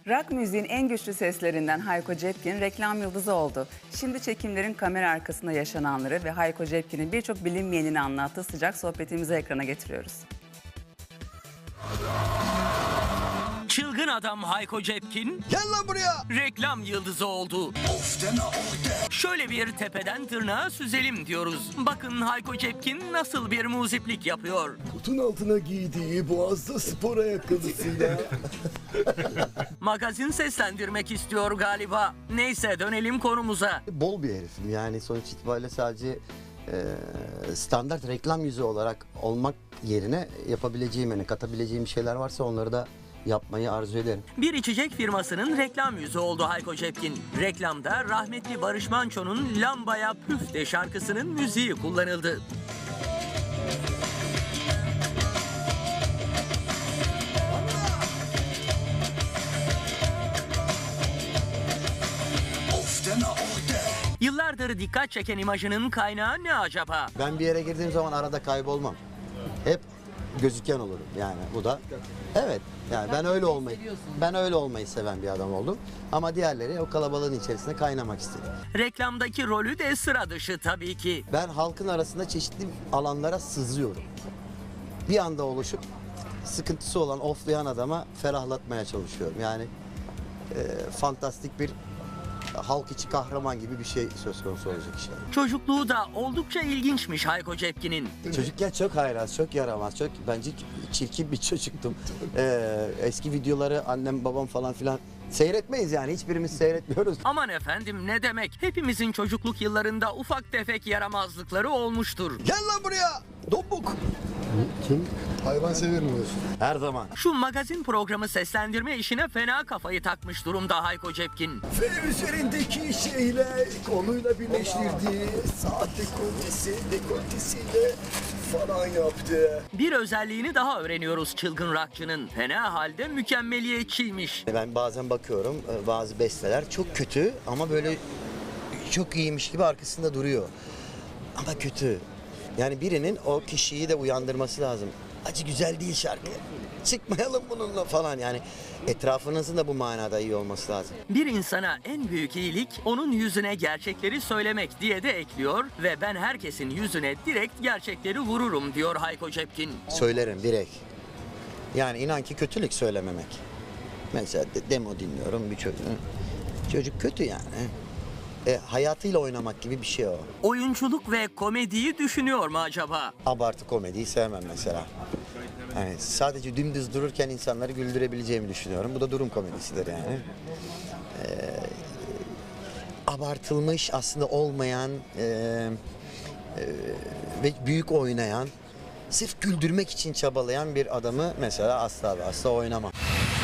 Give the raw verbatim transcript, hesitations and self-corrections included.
Rock müziğin en güçlü seslerinden Hayko Cepkin reklam yıldızı oldu. Şimdi çekimlerin kamera arkasında yaşananları ve Hayko Cepkin'in birçok bilinmeyenini anlattığı sıcak sohbetimizi ekrana getiriyoruz. Çılgın adam Hayko Cepkin Gel lan buraya. reklam yıldızı oldu. Şöyle bir tepeden tırnağa süzelim diyoruz. Bakın Hayko Cepkin nasıl bir muziplik yapıyor. Kutun altına giydiği boğazda spor ayakkabısıyla. Magazin seslendirmek istiyor galiba. Neyse dönelim konumuza. Bol bir herifim yani sonuç itibariyle sadece e, standart reklam yüzü olarak olmak yerine yapabileceğim, yani katabileceğim şeyler varsa onları da yapmayı arzu ederim. Bir içecek firmasının reklam yüzü oldu Hayko Cepkin. Reklamda rahmetli Barış Manço'nun Lambaya Püf de şarkısının müziği kullanıldı. Yıllardır dikkat çeken imajının kaynağı ne acaba? Ben bir yere girdiğim zaman arada kaybolmam. Hep gözüken olurum yani bu da. Evet yani ben öyle olmayı ben öyle olmayı seven bir adam oldum. Ama diğerleri o kalabalığın içerisinde kaynamak istedi. Reklamdaki rolü de sıra dışı tabii ki. Ben halkın arasında çeşitli alanlara sızıyorum. Bir anda oluşup sıkıntısı olan, oflayan adama ferahlatmaya çalışıyorum. Yani e, fantastik bir halk içi kahraman gibi bir şey söz konusu olacak işte. Çocukluğu da oldukça ilginçmiş Hayko Cepkin'in. Çocukken çok haylaz, çok yaramaz, çok bence çirkin bir çocuktum. Ee, eski videoları annem babam falan filan seyretmeyiz yani, hiçbirimiz seyretmiyoruz. Aman efendim ne demek? Hepimizin çocukluk yıllarında ufak tefek yaramazlıkları olmuştur. Gel lan buraya. Dombuk. Kim? Hayvan severim diyorsun. Her zaman. Şu magazin programı seslendirme işine fena kafayı takmış durumda Hayko Cepkin. Ve üzerindeki şeyle koluyla birleştirdiği saat dekoltesi, dekoltesiyle falan yaptı. Bir özelliğini daha öğreniyoruz çılgın rockçının. Fena halde mükemmeliyetçiymiş. Ben bazen bakıyorum bazı besteler çok kötü ama böyle çok iyiymiş gibi arkasında duruyor. Ama kötü. Yani birinin o kişiyi de uyandırması lazım. Acı güzel değil şarkı. Çıkmayalım bununla falan yani. Etrafınızın da bu manada iyi olması lazım. Bir insana en büyük iyilik onun yüzüne gerçekleri söylemek diye de ekliyor ve ben herkesin yüzüne direkt gerçekleri vururum diyor Hayko Cepkin. Söylerim direkt. Yani inan ki kötülük söylememek. Mesela de, demo dinliyorum bir çocuğun. Çocuk kötü yani. E, hayatıyla oynamak gibi bir şey o. Oyunculuk ve komediyi düşünüyor mu acaba? Abartı komediyi sevmem mesela. Yani sadece dümdüz dururken insanları güldürebileceğimi düşünüyorum. Bu da durum komedisidir yani. Ee, abartılmış aslında olmayan e, e, ve büyük oynayan, sırf güldürmek için çabalayan bir adamı mesela asla ve asla oynamam.